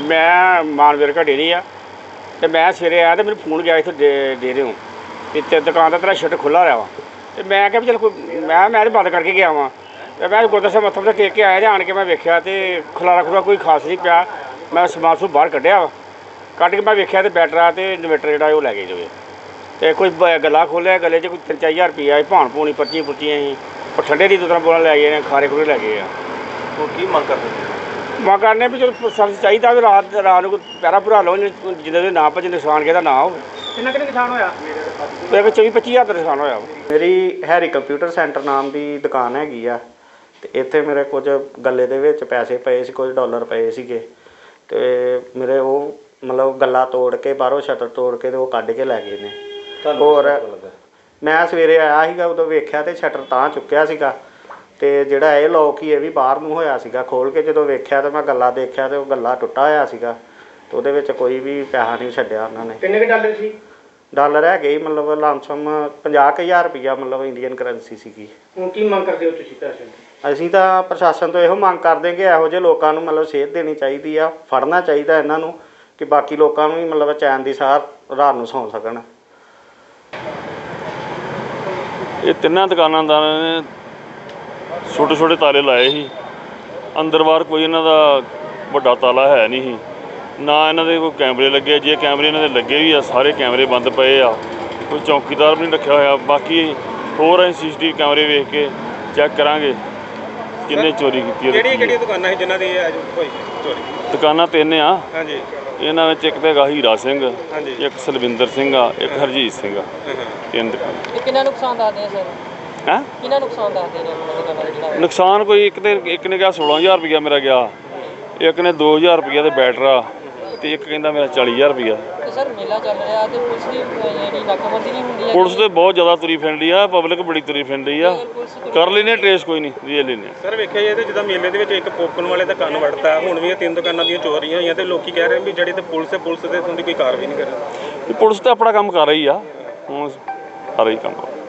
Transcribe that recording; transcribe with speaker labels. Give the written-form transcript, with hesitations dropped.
Speaker 1: मैं मानवीर का डेरी आ तो मैं सवेरे आया तो मैंने फोन गया इतने डेरे हूँ तो दुकान का तेरा शटर खुला रहा वा तो मैं क्या चल मैं तो बंद करके गया वहाँ तो मैं गुरद्वारा साहब मत्था टेक के आया आन के मैं वेख्या तो खलारा खुला कोई खास नहीं पाया। मैं समान सून बाहर कढ़िया वा कढ़ के मैं वेख्या तो बैटरा तो इन्वेटर जो लै गए जो तो कोई गला खोलिया गले च कोई 3-4 हज़ार रुपया भाण भूनी पर्चियां पुर्चियां ही और ठंडे दी बोतल बोतल लै गए खारे खुरे लै गए।
Speaker 2: की मंग करते
Speaker 1: मां करने भी चलो सर्विस चाहिए भी रात को पैरा भरा लो जिन्हें ना भजे नुकसान किहदा ना हो।
Speaker 3: किन्ना नुकसान होया?
Speaker 1: मेरे 24-25 हज़ार का नुकसान होया।
Speaker 4: मेरी हैरी कंप्यूटर सेंटर नाम की दुकान हैगी आ ते इत्थे मेरे कुछ गले दे विच पैसे पए सी, कुछ डॉलर पए सीगे ते मेरे वो मतलब गला तोड़ के बाहरों शटर तोड़ के ते वो कढ के लै गए ने। होर मैं सवेरे आया सीगा उदों वेख्या ते शटर तां चुक्किया सीगा ते जिहड़ा ये लॉक ही ये भी बाहर नूं होया सीगा। खोल के जदों वेख्या ते मैं गला देखिया ते वो गला टुੱਟਾ होया सीगा ते उहदे विच कोई भी पैसा नहीं छड्डिया उन्हां ने।
Speaker 3: किन्ने के डॉलर सी?
Speaker 4: डॉलर है गई मतलब लमसम 50,000 रुपया मतलब इंडियन करंसी सीगी।
Speaker 3: ਹੁਣ ਕੀ ਮੰਗ ਕਰਦੇ ਹੋ ਤੁਸੀਂ ਪੈਸੇ?
Speaker 4: ਅਸੀਂ ਤਾਂ ਪ੍ਰਸ਼ਾਸਨ ਤੋਂ ਇਹੋ ਮੰਗ ਕਰਦੇ ਕਿ ਇਹੋ ਜਿਹੇ ਲੋਕਾਂ ਨੂੰ ਮਤਲਬ ਸੇਧ ਦੇਣੀ ਚਾਹੀਦੀ ਆ, ਫੜਨਾ ਚਾਹੀਦਾ ਇਹਨਾਂ ਨੂੰ ਕਿ ਬਾਕੀ ਲੋਕਾਂ ਨੂੰ ਵੀ ਮਤਲਬ ਚੈਨ ਦੀ ਸਾਹ ਰਾਤ ਨੂੰ ਸੌਂ ਸਕਣ।
Speaker 5: ਇਹ ਤਿੰਨਾਂ ਦੁਕਾਨਾਂਦਾਰਾਂ ਨੇ ਛੋਟੇ ਛੋਟੇ ਤਾਲੇ ਲਾਏ ਸੀ, ਅੰਦਰ ਬਾਹਰ ਕੋਈ ਇਹਨਾਂ ਦਾ ਵੱਡਾ ਤਾਲਾ ਹੈ ਨਹੀਂ ਸੀ, ਨਾ ਇਹਨਾਂ ਦੇ ਕੋਈ ਕੈਮਰੇ ਲੱਗੇ। ਜੇ ਕੈਮਰੇ ਇਹਨਾਂ ਦੇ ਲੱਗੇ ਵੀ ਆ ਸਾਰੇ ਕੈਮਰੇ ਬੰਦ ਪਏ ਆ, ਕੋਈ ਚੌਕੀਦਾਰ ਵੀ ਨਹੀਂ ਰੱਖਿਆ ਹੋਇਆ। ਬਾਕੀ ਹੋਰ ਅਸੀਂ CCTV ਕੈਮਰੇ ਵੇਖ ਕੇ ਚੈੱਕ ਕਰਾਂਗੇ ਕਿੰਨੇ ਚੋਰੀ ਕੀਤੀ ਹੈ।
Speaker 2: ਕਿਹੜੀਆਂ ਦੁਕਾਨਾਂ ਸੀ ਜਿਨ੍ਹਾਂ ਦੀ ਹੋਈ ਚੋਰੀ?
Speaker 5: ਦੁਕਾਨਾਂ ਤਿੰਨ ਆ।
Speaker 2: ਹਾਂਜੀ।
Speaker 5: ਇਹਨਾਂ ਵਿੱਚ ਇੱਕ ਤਾਂ ਹੈਗਾ ਹੀਰਾ ਸਿੰਘ,
Speaker 2: ਹਾਂਜੀ।
Speaker 5: ਇੱਕ ਸਲਵਿੰਦਰ ਸਿੰਘ ਆ, ਇੱਕ ਹਰਜੀਤ ਸਿੰਘ ਆ। ਤਿੰਨ ਦੁਕਾਨਾਂ।
Speaker 6: ਕਿੰਨਾ ਨੁਕਸਾਨ ਦੱਸਦੇ ਆ ਸਰ?
Speaker 5: ਹੈਂ?
Speaker 6: ਕਿੰਨਾ ਨੁਕਸਾਨ ਦੱਸਦੇ ਨੇ ਆਪਣਾ ਦੁਕਾਨਾਂ ਦਾ ਜਿਹੜਾ?
Speaker 5: ਨੁਕਸਾਨ ਕੋਈ ਇੱਕ ਨੇ ਕਿਹਾ 16,000 ਰੁਪਇਆ ਮੇਰਾ ਗਿਆ, ਇੱਕ ਨੇ 2,000 ਰੁਪਇਆ ਤੇ ਬੈਟਰਾ ਤੇ ਇੱਕ ਕਹਿੰਦਾ ਮੇਰਾ 40,000 ਰੁਪਇਆ।
Speaker 6: ਤੇ ਸਰ ਮੇਲਾ ਚੱਲ ਰਿਹਾ ਤੇ ਪੁਲਿਸ ਦੀ ਜਿਹੜੀ ਨਾਕਾਬੰਦੀ ਨਹੀਂ ਹੁੰਦੀ ਹੈ?
Speaker 5: ਪੁਲਿਸ ਤੇ ਬਹੁਤ ਜ਼ਿਆਦਾ ਤੁਰੀ ਫਿਰਦੀ ਆ, ਪਬਲਿਕ ਬੜੀ ਤੁਰੀ ਫਿਰਦੀ ਆ। ਕਰ ਲੈਨੇ ਟ੍ਰੇਸ ਕੋਈ ਨਹੀਂ, ਰੀਏ ਲੈਨੇ।
Speaker 2: ਸਰ ਵੇਖਿਆ ਜਾਏ ਤਾਂ ਜਿੱਦਾਂ ਮੇਲੇ ਦੇ ਵਿੱਚ ਇੱਕ ਪੋਕਣ ਵਾਲੇ ਦਾ ਕੰਨ ਵੜਤਾ, ਹੁਣ ਵੀ ਇਹ 3 ਦੁਕਾਨਾਂ ਦੀਆਂ ਚੋਰੀਆਂ ਹੋਈਆਂ ਤੇ ਲੋਕੀ ਕਹਿ ਰਹੇ ਵੀ ਜਿਹੜੀ ਤੇ ਪੁਲਿਸ ਤੇ ਉਹਦੀ ਕੋਈ ਕਾਰਵਾਈ ਨਹੀਂ ਕਰ ਰਹੀ।
Speaker 5: ਪੁਲਿਸ ਤਾਂ ਆਪਣਾ ਕੰਮ ਕਰ ਰਹੀ ਆ, ਹੁਣ ਕਰ ਰਹੀ ਕੰਮ।